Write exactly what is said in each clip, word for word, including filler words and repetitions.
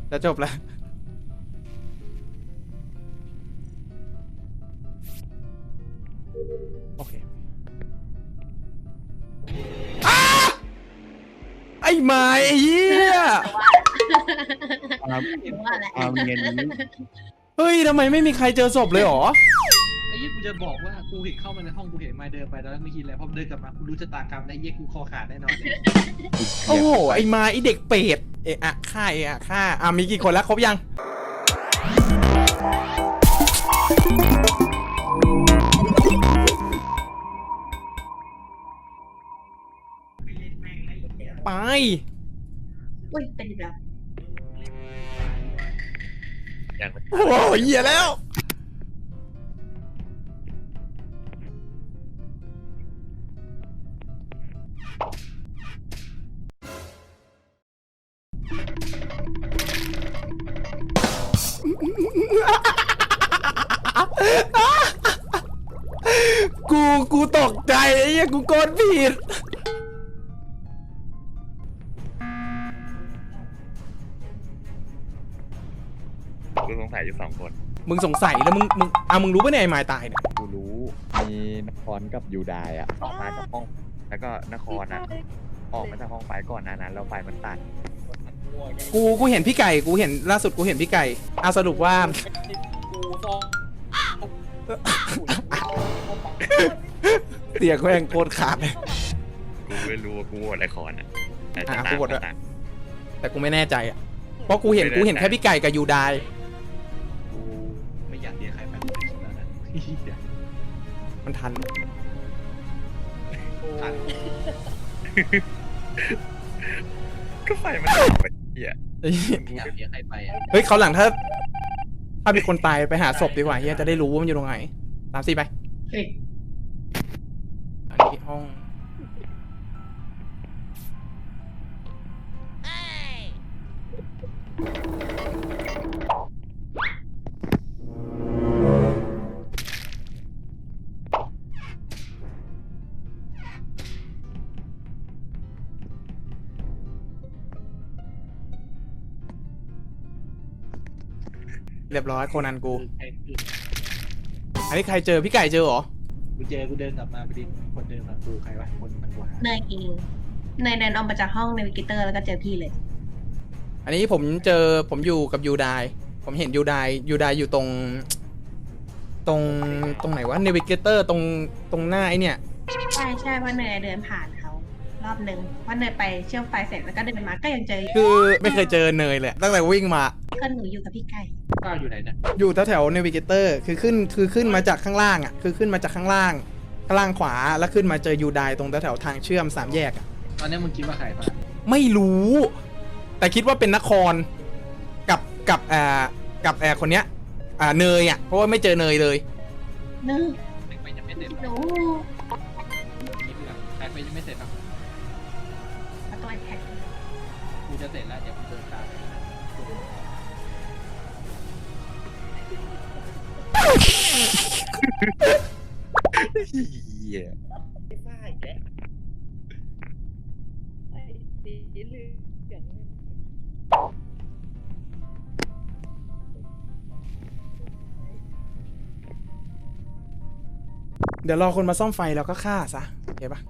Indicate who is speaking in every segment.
Speaker 1: จะจบแล้วโอเคไอ้ไม้ไอ้เหี้ย
Speaker 2: ความ
Speaker 3: ว่าแหละ
Speaker 2: ความเย็นนี้
Speaker 1: เฮ้ยทำไมไม่มีใครเจอศพเลยหรอ
Speaker 4: ไอ้ยี่กูจะบอกว่ากูเห็นเข้ามาในห้องกูเห็นมาเดินไปแล้วไม่คิดอะไรพอเดินกลับมากูรู้ชะตากรรมไอ้ยี่กูคอขาดแน่นอนเลย
Speaker 1: โอ้โหไอ้ไม้ไอ้เด็กเป็ดเอะอะฆ่าเอะอะฆ่าอ่ะมีกี่คนแล้วครบยังไป
Speaker 3: อุ้ยเป็นอีกแล้ว
Speaker 2: อย่าง
Speaker 1: โอ้โหเหี้ยแล้วกูกูตกใจไอ้เหี้ยกูกดผิด
Speaker 2: กูสงสัยอยู่สองคน
Speaker 1: มึงสงสัยแล้วมึงมึงอ่ะมึงรู้ปะเนี่ยไอ้ไม้ตายเนี่ย
Speaker 2: กูรู้มีนครกับยูไดอ่ะออกมาจากห้อง แล้วก็นครอ่ะออกมาจากห้องไฟก่อนหนานั้นแล้วไฟมันตัด
Speaker 1: กูกูเห็นพี่ไก่กูเห็นล่าสุดกูเห็นพี่ไก่เอาสรุปว่า เสียงแม่งโคตรขาดเลย
Speaker 2: กูไม่รู้ว่ากูโหวตนครอ่ะแต่
Speaker 1: อ่ะ
Speaker 2: ต่าง
Speaker 1: กูโหวตด้วย
Speaker 2: ต่าง
Speaker 1: แต่กูไม่แน่ใจอ่ะเพราะกูเห็นกูเห็นแค่พี่ไก่กับยูได
Speaker 4: กูไม่อยากเรียกใครไปกูคิดแล้วนะ
Speaker 1: มันทัน
Speaker 4: ทัน
Speaker 2: ก็ไฟมันตัดไปเหี้ย
Speaker 4: อยากเรียกใครไปอ่ะ
Speaker 1: เฮ้ยเขาวหลังถ้า ถ้ามีคนตายไปหาศพดีกว่าเฮียจะได้รู้ว่ามันอยู่ตรงไหนตามสิไป
Speaker 3: เฮ้ย
Speaker 1: อันนี้ห้องเรียบร้อยโคนันกู
Speaker 4: คือใครคือ
Speaker 1: อันนี้ใครเจอพี่ไก่เจอเหรอ
Speaker 4: กูเจอกูเดินกลับมาพอดีคนเดินมากูใครวะคนมันกูหา
Speaker 3: เนยเองเนยเดินออกมาจากห้องในวิกิเตอร์แล้วก็เจอพี่เลย
Speaker 1: อันนี้ผมเจอผมอยู่กับยูไดผมเห็นยูไดยูไดอยู่ตรง ตรงตรงไหนวะเนวิเกเตอร์ตรงตรงหน้าไอเนี่ย
Speaker 3: ใช่ใช่เพราะเนยเดินผ่านเขารอบหนึ่งเพราะเนยไปเชื่อมไฟเสร็จแล้วก็เดินมาก็ยังเจอ
Speaker 1: คือไม่เคยเจอเนยเลยตั้งแต่วิ่งมา
Speaker 3: ก็หนูอยู่กับพี่ไก่
Speaker 4: ก้าวอยู่ไหนเนี่ย
Speaker 1: อยู่แถวแถวเนวิเกเตอร์คือขึ้นคือขึ้นมาจากข้างล่างอ่ะคือขึ้นมาจากข้างล่างข้างล่างขวาแล้วขึ้นมาเจอยูไดตรงแถวแถวทางเชื่อมสามแยกอ่ะ
Speaker 4: ตอนนี้มึงคิดว่าใครปะ
Speaker 1: ไม่รู้ แต่คิดว่าเป็นนครกับกับอ่ากับแอร์คนเนี้ยอ่าเนยอ่ะเพราะว่าไม่เจอเนยเลย
Speaker 3: เนย
Speaker 4: ใครไปยังไม่เสร็จ
Speaker 3: หนู
Speaker 4: คิดเรื่องใครไปยังไม่เสร็จอ่ะ
Speaker 3: เอาตัวไอแพด
Speaker 4: กูจะเสร็จแล้วเดี๋ยวกูเดินตามไปนะ
Speaker 2: เหี้ย
Speaker 1: เดี๋ยวรอคนมาซ่อมไฟแล้วก็ฆ่าซะโอเคปะ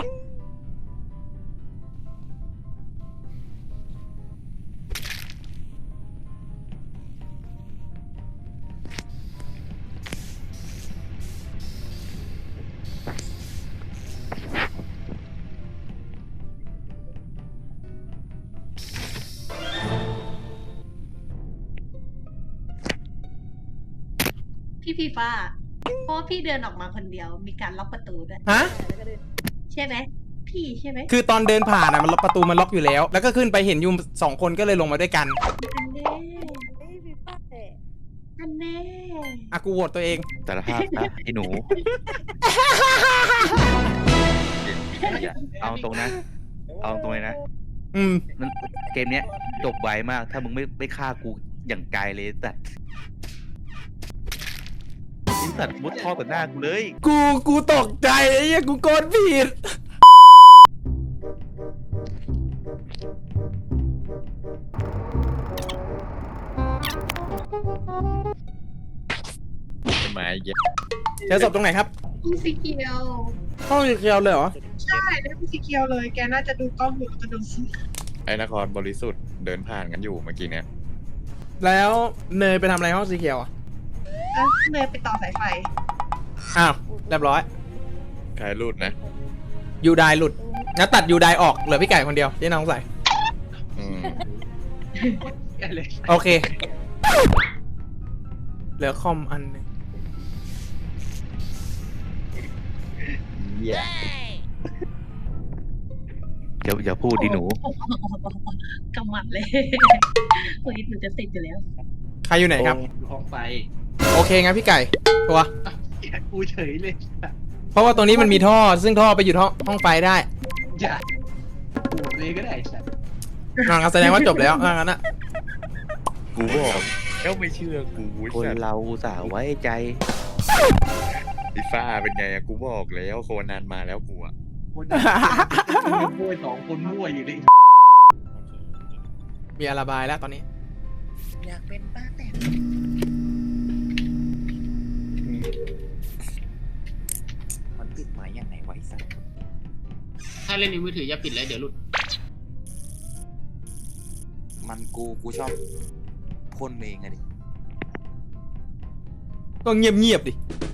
Speaker 3: พี่ฟีฟ้าเพราะว่าพี่เดินออกมาคนเดียวมีการล็อกประตูด้วย
Speaker 1: ฮะ
Speaker 3: ใช่ไหมพี่ใช่ไหม
Speaker 1: คือตอนเดินผ่านอ่ะมันล็อกประตูมันล็อกอยู่แล้ว แล้วก็ขึ้นไปเห็นอยูสองคนก็เลยลงมาด้วยกัน
Speaker 3: อันแน่อันแน่
Speaker 1: อ่ะกูโหวตตัวเอง
Speaker 2: สารภาพนะไอ้หนูเอาตรงนะ เอาตรงเลยนะ
Speaker 1: อืม
Speaker 2: มันเกมเนี้ยจบไวมาก ถ้ามึงไม่ไม่ฆ่ากูอย่างไกลเลยแต่ไอ้สัตว์มุดท่อต่อหน้ากูเลย
Speaker 1: กูกูตกใจไอ้เหี้ยกูกดผิด
Speaker 2: ต้นไม้เยอะ
Speaker 1: เจอศพตรงไหนครับ
Speaker 3: พี่สีเขียว
Speaker 1: ห้องสีเขียวเลยเหรอ
Speaker 3: ใช่ได้พี่สีเขียวเลย แกน่าจะดูกล้องอยู่แล้วก็ดูสิ
Speaker 2: ไอ้นครบริสุทธิ์เดินผ่านกันอยู่เมื่อกี้เนี่ย
Speaker 1: แล้วเนยไปทำอะไรห้องสีเขียวอ่ะ
Speaker 3: เอ้ยเนยไปต่อสายไฟ
Speaker 1: อ้าวเรียบร้อย
Speaker 2: ใครรูดนะ
Speaker 1: ยูไดหลุดงั้นตัดยูไดออกเหลือพี่ไก่คนเดียวที่น้องใส่
Speaker 2: อืม
Speaker 4: แกเลย
Speaker 1: โอเค เหลือคอมอันหนึง
Speaker 5: อย่าอย่าพูดดิหนู
Speaker 3: กำมัดเลยเฮ้ยหนูจะติดอยู่แล้ว
Speaker 1: ใครอยู่ไหนครับ
Speaker 4: อยู่ห้องไฟ
Speaker 1: โอเคงั้นพี่ไก่ตัว
Speaker 4: อ้าวแกกูเฉยเลย
Speaker 1: เพราะว่าตรงนี้มันมีท่อ ซึ่งท่อไปอยู่ห้องห้องไฟได้
Speaker 4: อย่ากูเลยก็ได้ไอ้สัตว์
Speaker 1: งั้นแสดงว่าจบแล้วงั้นอะ
Speaker 2: กูบอกแล้วไม่เชื่อกู
Speaker 5: คน
Speaker 2: สัตว์
Speaker 5: เราอุตส่าห์ไว้ใจ
Speaker 2: ไอ้ฟ้าเป็นไงอะกูบอกแล้วโคนันมาแล้วกูอะ
Speaker 4: คนมั่วสองคนมั่วอยู่เลย
Speaker 1: มีอาราบายแล้วตอนนี้
Speaker 6: อยากเป็นป้าแต่มันปิดไม้ยังไงไวะไอ้สัตว์
Speaker 7: ถ้าเล่นในมือถืออย่าปิดเลยเดี๋ยวหลุด
Speaker 6: มันกูกูชอบพ่นเองอะดิ
Speaker 1: ก็เงียบเงียบๆดิ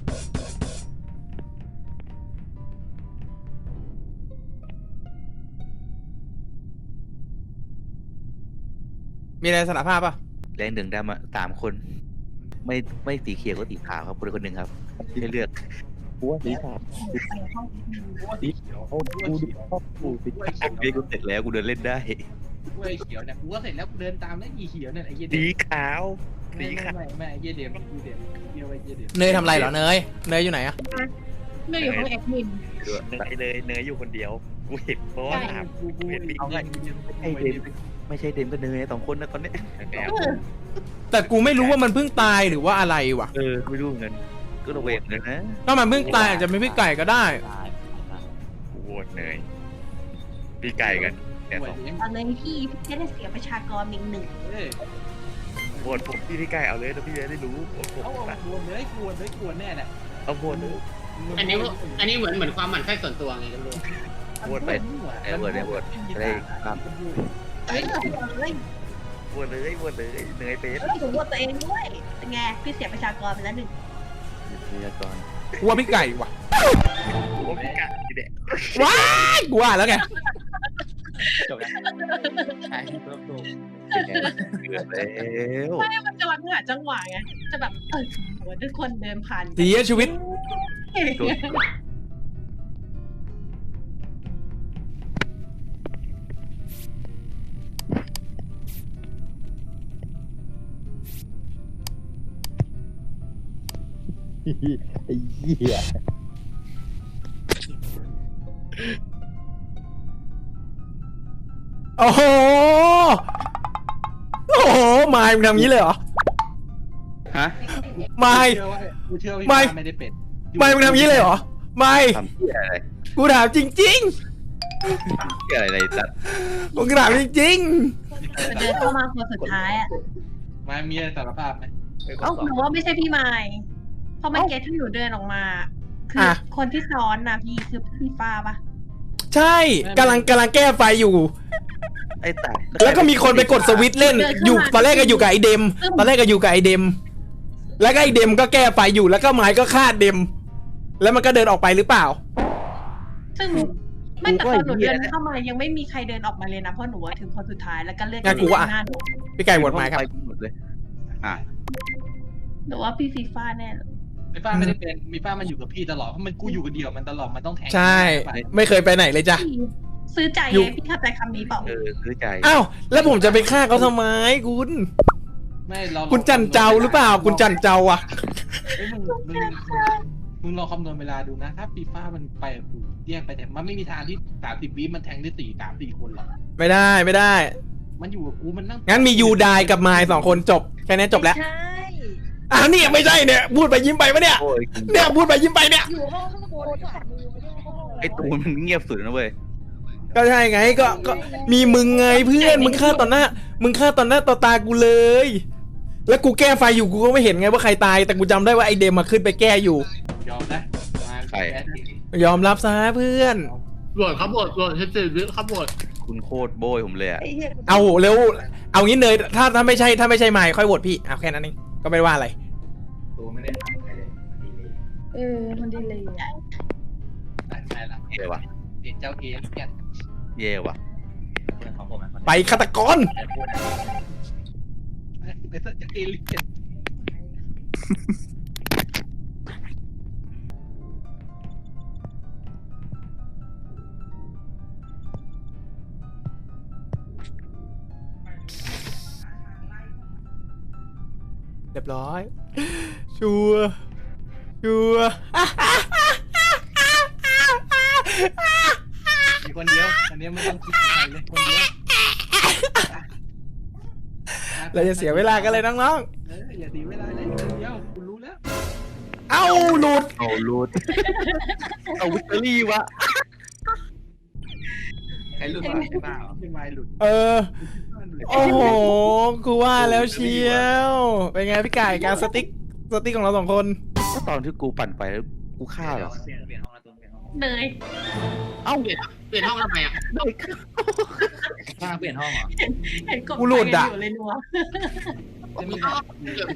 Speaker 1: มีอะไรสารภาพป่ะ
Speaker 5: แรงหนึ่งดำอะสามคน ไม่ไม่สีเขียวก็สีขาวครับคนคนหนึ่งครับให้เลือก
Speaker 2: กูว่าสีขาว
Speaker 3: ไปห้อง
Speaker 2: สีเขียวกูดูชอบกูสี
Speaker 4: กูไอ้
Speaker 5: ผมเรียกกูเสร็จแล้วกูเดินเล่นได้
Speaker 4: กูไอ้เขียวเนี่ยกูก็เสร็จแล้วกูเดินตามแล้วอีเขียวเนี่ยไอ้เหี้ย
Speaker 2: สี
Speaker 4: เดม
Speaker 2: ขาว
Speaker 4: ไม่ไม่ไม่ไม่ไอ้เหี้ยเดมกูเดมเหี้ยไอ้เหี้ยเดม
Speaker 1: เนยทำอะไรเหรอเนย เนยอยู่ไหนอะ
Speaker 3: เนยอยู่ห้องแอดมิน
Speaker 2: เนยเลยเนยอยู่คนเดียวกูเห็นเพราะว่าถาม
Speaker 4: กูกู
Speaker 2: เห็น
Speaker 4: เอาไง
Speaker 5: ไอ้เดมไม่ใช่เดมก็เนยสองคนนะตอนเนี้ย
Speaker 2: แอบ
Speaker 1: แต่กูไม่รู้ว่ามันเพิ่งตายหรือว่าอะไรวะ
Speaker 5: เออไม่รู้เหมือนกันก็ระเวงเลยนะ
Speaker 1: ถ้ามันเพิ่งตายอาจจะเป็นพี่ไก่ก็ได้
Speaker 2: กูโหวตเนยพี่ไก่กันเนี่ยสอง
Speaker 3: ตอนนี้พี่พี่จะได้เสียประชากรอีกหนึ่ง
Speaker 4: เอ้ย
Speaker 2: โหวตผมพี่พี่ไก่เอาเลยแล้วพี่จะได้รู้โหวตผม
Speaker 4: เอาเอากวนเลยกวนเลยกวนแน่แหละ
Speaker 2: เอาโหวตเลย
Speaker 7: อันนี้ว่าอันนี้เหมือนเหมือนความหมั่นไส้ส่วนตัวไงก็ไม่รู้
Speaker 5: โหวตไปไอ้โหวตไอ้โหวตได้ครับ
Speaker 3: เฮ้ยเฮ้ย
Speaker 2: โหวตเลยโหวตเลยเนยเป็น
Speaker 3: เฮ้ยผมว่าตัวเองด้วยเป็นไงพี่เสียประชากรไปแล้วหนึ่ง
Speaker 5: พยากร
Speaker 1: กูว่าพี่ไก่ว่ะ
Speaker 2: โอ้พี่ไก่เนี่ย
Speaker 1: ว้ายกูว่าแล้วไง
Speaker 6: จบแล้วใช่เพิ่มตัว
Speaker 5: เป็นไงเกือบแล้ว
Speaker 3: มันจะวันหาจังหวะไงจะแบบเออโหทุกคนเดินผ่าน
Speaker 1: เสียชีวิต
Speaker 5: ไอ้เหี้ย
Speaker 1: โอ้โห โอ้โหมายมึงทำงี้เลยเหรอ
Speaker 5: ฮะ
Speaker 1: มาย
Speaker 4: เชื่อว่ากูเชื่อว่าพี่
Speaker 1: ไม่
Speaker 4: ปาไม่ได้เป็น
Speaker 1: มายมึงทำงี้เลยเหรอ มาย
Speaker 5: ทำเหี้ยอะไร
Speaker 1: กูถามจริง
Speaker 5: เหี้ยอะไรตัด
Speaker 1: ๆกูถามจริง
Speaker 3: เดินเข้ามาคนสุดท้ายอ่ะ
Speaker 4: มามีอะไรสารภาพไหม
Speaker 3: เอ้าหนูว่าไม่ใช่พี่ไมค์เพราะเมื่อกี้ที่หนูเดินออกมา คือ
Speaker 1: อ่ะ
Speaker 3: คนที่ซ้อนนะพี่คือพี่ฟ้าปะ
Speaker 1: ๆ ใช่กำลังกำลังแก้ไฟอยู่
Speaker 5: ไอ้ตัด
Speaker 1: แล้วก็มีคนไปกดสวิตช์เล่น อยู่ตอนแรกก็อยู่กับไอเดม ตอนแรกก็อยู่กับไอเดม แล้วก็ไอเดมก็แก้ไฟอยู่ แล้วก็ไม้ก็ฆ่าเดม แล้วมันก็เดินออกไปหรือเปล่า
Speaker 3: ซึ่งไม่แต่ตอนหนูเดินเข้ามายังไม่มีใครเดินออกมาเลยนะเพราะหนูอะถึงคนสุดท้ายแล้วก็เลือก
Speaker 1: งั้นกูว่า
Speaker 3: หน้าหนู
Speaker 1: พี่ไก่หมดไม้ครับ
Speaker 5: ไปหมดเลยอ่ะ
Speaker 3: หนูว่าพี่ฟีฟ้าแน่เลย
Speaker 4: มีป้าไม่ได้เป็นมีป้ามันอยู่กับพี่ตลอดเพราะมันกูอยู่กับเดียวมันตลอดมันต้องแทง
Speaker 1: ใช่ ไม่เคยไปไหนเลยจ้ะ
Speaker 3: พี่ซื้อใจ
Speaker 1: อยู่
Speaker 3: ไงพี่เข้าใจคำนี้เปล่า
Speaker 5: เออซื้อใจ
Speaker 1: อ้าว แล้วผมจะไปฆ่าเขาทำไมคุณ
Speaker 4: ไม่เรา
Speaker 1: คุณจันเจ้าหรือเปล่า คุณจันเจ้าอ่ะ
Speaker 4: เฮ้ยมึงมึงมึงลองคำนวณเวลาดูนะ ถ้าฟีฟ่ามันไปกับกูแยกไปแต่มันไม่มีทางที่สามสิบวิมันแทงได้สี่สามสี่คนหรอก
Speaker 1: ไม่ได้ไม่ได้
Speaker 4: มันอยู่กับกูมันนั่ง
Speaker 1: งั้นมียูไดกับไมายสองคนจบ แค่นี้จบแล้ว
Speaker 6: ใช่
Speaker 1: อ้าวเนี่ยไม่ใช่เนี่ย พูดไปยิ้มไปปะเนี่ย
Speaker 5: โอ้ย
Speaker 1: เนี่ยพูดไปยิ้มไปเนี่ย
Speaker 6: อยู่ห้องข้างบนขวามือไม่ได้ห้อง
Speaker 5: ไอ้ตูนมันเงียบสุดนะเว้ย
Speaker 1: ก็ใช่ไงก็ก็มีมึงไงเพื่อนมึงฆ่าต่อหน้า มึงฆ่าต่อหน้าต่อตากูเลยแล้วกูแก้ไฟอยู่กูก็ไม่เห็นไงว่าใครตายแต่กูจำได้ว่าไอเดมมาขึ้นไปแก้อยู่
Speaker 4: ยอมนะมา
Speaker 5: ใคร
Speaker 4: แบด
Speaker 1: ยอมรับซะเพื่อน
Speaker 7: โหวตเขาโหวตโหวตเฮดซีวิเขาโหวต
Speaker 5: คุณโคตรโบยผมเลยอะ
Speaker 1: เอาเร็วเอางี้เนยถ้าถ้าไม่ใช่ถ้าไม่ใช่ไมค์ค่อยโหวตพี่เอาแค่นั้นเองก็ไม่ว่าอะไร
Speaker 3: เออมันดีเลยอ่ะ
Speaker 4: ใช่ละ
Speaker 5: เย่ว่ะ
Speaker 4: เด็กเจ้าเอสแกน
Speaker 5: เย่ว่ะ
Speaker 1: ไปฆาตกร
Speaker 4: เด็กเจ้าเอลิเกน
Speaker 1: เรียบร้อย ชัวร์ชัวร์
Speaker 4: มีคนเดียวคนเดียวไม่ต้องคิดอะไรเลยคนเดียว
Speaker 1: เราจะเสียเวลากันเลยน้อง
Speaker 4: เอออย่าตีเวลาเลยคนเดียวกูรู้แล้ว
Speaker 1: ๆ เอ้าหลุด
Speaker 5: เอารูดเอาวิตเตอรี่วะ
Speaker 4: ใครหลุดมาใช่เปล่าไม่ไม่หลุด
Speaker 1: เออ โอ้โหกูว่าแล้วเชียว เป็นไงพี่ไก่การสติ๊กสติ๊กของเราสองคน
Speaker 5: ก็ตอนที่กูปั่นไปแล้วกูฆ่าเหรอ
Speaker 3: เนย
Speaker 7: เอ้าเปลี่ยนเปลี่ยนห้องทำไมอ่ะ
Speaker 6: ข้างเปลี่ยนห้องเหรอ
Speaker 3: เห็นกบ
Speaker 1: กูหลุดอะ
Speaker 3: อยู่เลยนัว
Speaker 7: ผมมีห้องเกี่ยวดิ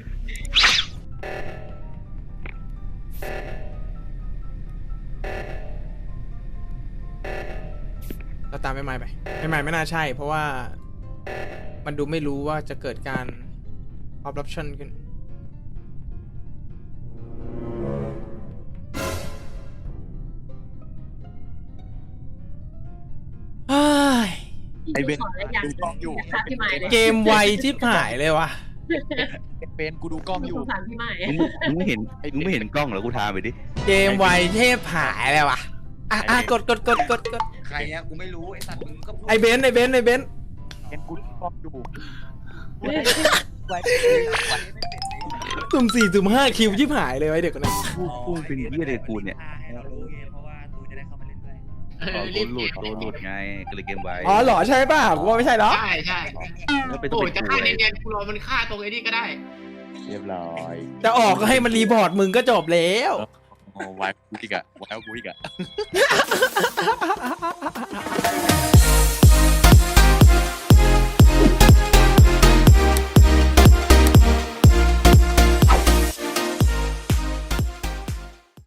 Speaker 1: เราตามไม่ไม่ไปไม่ไม่ไม่น่าใช่ เพราะว่ามันดูไม่รู้ว่าจะเกิดการ corruption ขึ้นเฮ้ย
Speaker 5: ไอ้เบน
Speaker 3: ขออะไรอย่าง
Speaker 6: ดูกล้องอยู่
Speaker 3: ค่ะพี่ไม้เลย
Speaker 1: เกมไวชิบหายเลยว่ะ
Speaker 6: เป็นกูดูกล้องอยู่
Speaker 3: สงสารพี่ไม้
Speaker 5: มึงไม่มึงไม่เห็นมึงไม่เห็นกล้องเหรอกูทามไปดิ
Speaker 1: เกมไวเทพหายเลยว่ะอ่ะอ่ะกดกดกดกดกด
Speaker 6: ใครอะกูไม่รู้ไอ้สัตว์มึงก็พูด
Speaker 1: ไอเบนซ์ไอเบนซ์ไอเบนซ์
Speaker 6: เป็นกูดูกล้องอยู่
Speaker 1: สุ่มสี่สุ่มห้าคิวชิบหายเลยไอเด็กคนนั้น
Speaker 5: กูกูเป็นเหี้ยเลยกูเนี่ย
Speaker 6: ให้เรารู้ไงเพราะว่าตูจะได้เข้ามาเล่นด้วย
Speaker 7: เอ
Speaker 5: อ๋
Speaker 7: อ
Speaker 5: อ
Speaker 7: รี
Speaker 5: กู
Speaker 7: บ
Speaker 5: หลุดกูหลุดไงก็เลยเกมไว้
Speaker 1: อ๋อเหรอใช่ป่ะกูว่าไม่ใช่หรอ
Speaker 7: ใช่ใช่
Speaker 5: แล้วไปต้อ
Speaker 7: โอ้
Speaker 5: ง
Speaker 7: ย
Speaker 5: ไป
Speaker 7: จะ
Speaker 5: กู
Speaker 7: ฆ่า
Speaker 5: เลย
Speaker 7: เนียนๆกูรอมันฆ่าตรงไอ้นี่ก็ได้
Speaker 2: เรียบร้อย
Speaker 1: จะออกก็ให้มันรีพอร์ตมึงก็จบแล้ว
Speaker 2: โอ้ไว้กูอีกอะไว้กูอีกอะ